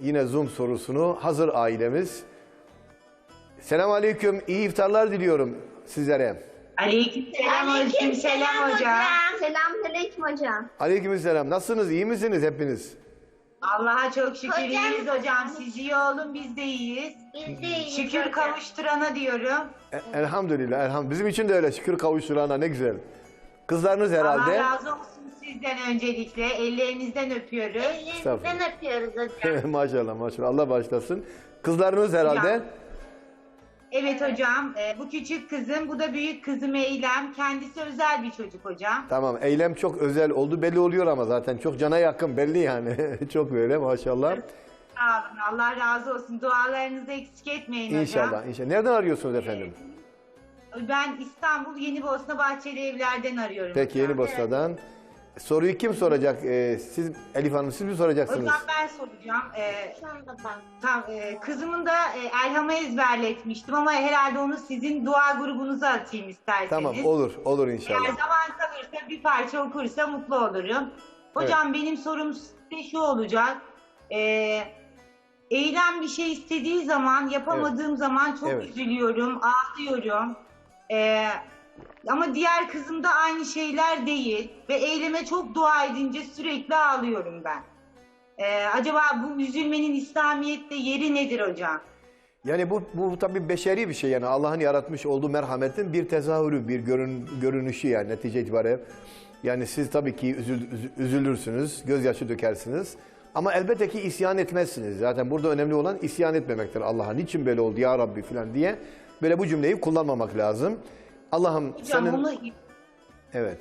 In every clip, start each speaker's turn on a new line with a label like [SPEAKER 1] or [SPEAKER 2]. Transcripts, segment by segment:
[SPEAKER 1] yine Zoom sorusunu. Hazır ailemiz. Selamünaleyküm. İyi iftarlar diliyorum sizlere.
[SPEAKER 2] Aleykümselam hocam.
[SPEAKER 3] Selamünaleyküm hocam.
[SPEAKER 1] Aleykümselam. Nasılsınız? İyi misiniz hepiniz?
[SPEAKER 2] Allah'a çok şükür
[SPEAKER 3] Hocam.
[SPEAKER 2] iyiyiz hocam. Siz iyi olun, biz de iyiyiz.
[SPEAKER 3] Biz de iyiyiz
[SPEAKER 2] Şükür
[SPEAKER 3] hocam.
[SPEAKER 2] kavuşturana diyorum.
[SPEAKER 1] Elhamdülillah. Elhamdülillah. Bizim için de öyle. Şükür kavuşturana ne güzel. Kızlarınız herhalde.
[SPEAKER 2] Allah razı olsun sizden öncelikle. Ellerinizden öpüyoruz.
[SPEAKER 3] Ellerinizden öpüyoruz hocam.
[SPEAKER 1] Maşallah maşallah. Allah başlasın. Kızlarınız herhalde.
[SPEAKER 2] Hocam. Evet hocam. Bu küçük kızım, bu da büyük kızım Eylem. Kendisi özel bir çocuk hocam.
[SPEAKER 1] Tamam. Eylem çok özel oldu. Belli oluyor ama zaten. Çok cana yakın belli yani. Çok böyle maşallah.
[SPEAKER 2] Sağ olun. Allah razı olsun. Dualarınızı eksik etmeyin hocam.
[SPEAKER 1] İnşallah. İnşallah. Nereden arıyorsunuz efendim?
[SPEAKER 2] Ben İstanbul Yenibosna Bahçeli Evler'den arıyorum.
[SPEAKER 1] Peki
[SPEAKER 2] hocam.
[SPEAKER 1] Yeni Bosna'dan. Soruyu kim soracak? Siz Elif Hanım siz mi soracaksınız?
[SPEAKER 2] Hocam ben soracağım.
[SPEAKER 3] Şu anda ben.
[SPEAKER 2] Kızımın da Elham'ı ezberletmiştim ama herhalde onu sizin dua grubunuza atayım isterseniz.
[SPEAKER 1] Tamam olur. Olur
[SPEAKER 2] Eğer
[SPEAKER 1] inşallah.
[SPEAKER 2] zaman kalırsa bir parça okursa mutlu olurum. Hocam benim sorum size şu olacak. Eylem bir şey istediği zaman, yapamadığım zaman çok
[SPEAKER 1] Evet.
[SPEAKER 2] üzülüyorum, ağlıyorum. Ama diğer kızımda aynı şeyler değil ve Eylem'e çok dua edince sürekli ağlıyorum ben. Acaba bu üzülmenin İslamiyet'te yeri nedir hocam?
[SPEAKER 1] Yani bu tabii beşeri bir şey yani Allah'ın yaratmış olduğu merhametin bir tezahürü, bir görünüşü yani netice itibariyle. Yani siz tabii ki üzülürsünüz, gözyaşı dökersiniz. Ama elbette ki isyan etmezsiniz. Zaten burada önemli olan isyan etmemektir Allah'a. Niçin böyle oldu ya Rabbi falan diye. Böyle bu cümleyi kullanmamak lazım. Allah'ım
[SPEAKER 2] Hocam
[SPEAKER 1] senin...
[SPEAKER 2] onu...
[SPEAKER 1] Evet.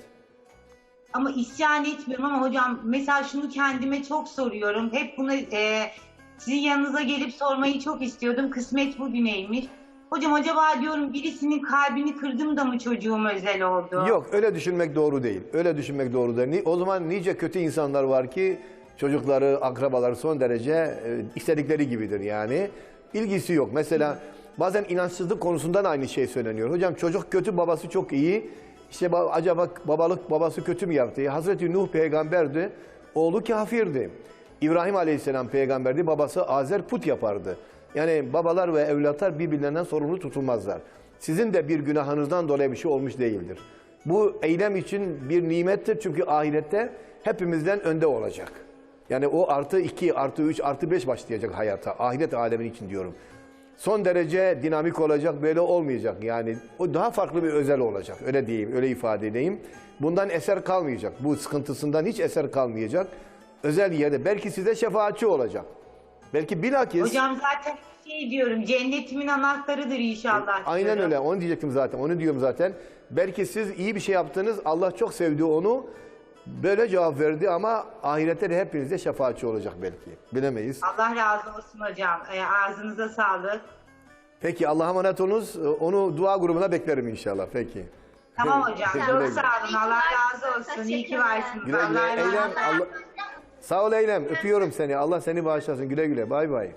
[SPEAKER 2] Ama isyan etmiyorum ama hocam mesela şunu kendime çok soruyorum. Hep bunu sizin yanınıza gelip sormayı çok istiyordum. Kısmet bugüneymiş. Hocam acaba diyorum birisinin kalbini kırdım da mı çocuğum özel oldu?
[SPEAKER 1] Yok öyle düşünmek doğru değil. Öyle düşünmek doğru değil. O zaman nice kötü insanlar var ki çocukları, akrabaları son derece istedikleri gibidir yani. İlgisi yok. Mesela bazen inançsızlık konusundan aynı şey söyleniyor. Hocam çocuk kötü, babası çok iyi. İşte acaba babası kötü mü yaptı? Hazreti Nuh peygamberdi, oğlu kafirdi. İbrahim Aleyhisselam peygamberdi, babası Azer put yapardı. Yani babalar ve evlatlar birbirlerinden sorumlu tutulmazlar. Sizin de bir günahınızdan dolayı bir şey olmuş değildir. Bu eylem için bir nimettir çünkü ahirette hepimizden önde olacak. Yani o artı 2, artı 3, artı 5 başlayacak hayata. Ahiret alemin için diyorum. Son derece dinamik olacak, böyle olmayacak. Yani o daha farklı bir özel olacak. Öyle diyeyim, öyle ifade edeyim. Bundan eser kalmayacak. Bu sıkıntısından hiç eser kalmayacak. Özel yerde belki size şefaatçi olacak. Belki bilakis...
[SPEAKER 2] Hocam zaten şey diyorum, cennetimin anahtarıdır inşallah.
[SPEAKER 1] Aynen
[SPEAKER 2] diyorum.
[SPEAKER 1] öyle, onu diyecektim zaten, onu diyorum zaten. Belki siz iyi bir şey yaptınız, Allah çok sevdi onu. Böyle cevap verdi ama ahirette de hepinize şefaatçi olacak belki. Bilemeyiz.
[SPEAKER 2] Allah razı olsun hocam. Ağzınıza sağlık.
[SPEAKER 1] Peki Allah'a emanet olunuz. Onu dua grubuna beklerim inşallah. Peki.
[SPEAKER 2] Tamam hocam.
[SPEAKER 1] Güle
[SPEAKER 2] Çok
[SPEAKER 1] güle.
[SPEAKER 2] sağ olun. Allah razı olsun. İyi ki varsınız.
[SPEAKER 1] Güle güle.
[SPEAKER 2] Allah razı
[SPEAKER 1] Eylem,
[SPEAKER 2] olsun.
[SPEAKER 1] Allah... Sağ ol Eylem. Öpüyorum seni. Allah seni bağışlasın. Güle güle. Bay bay.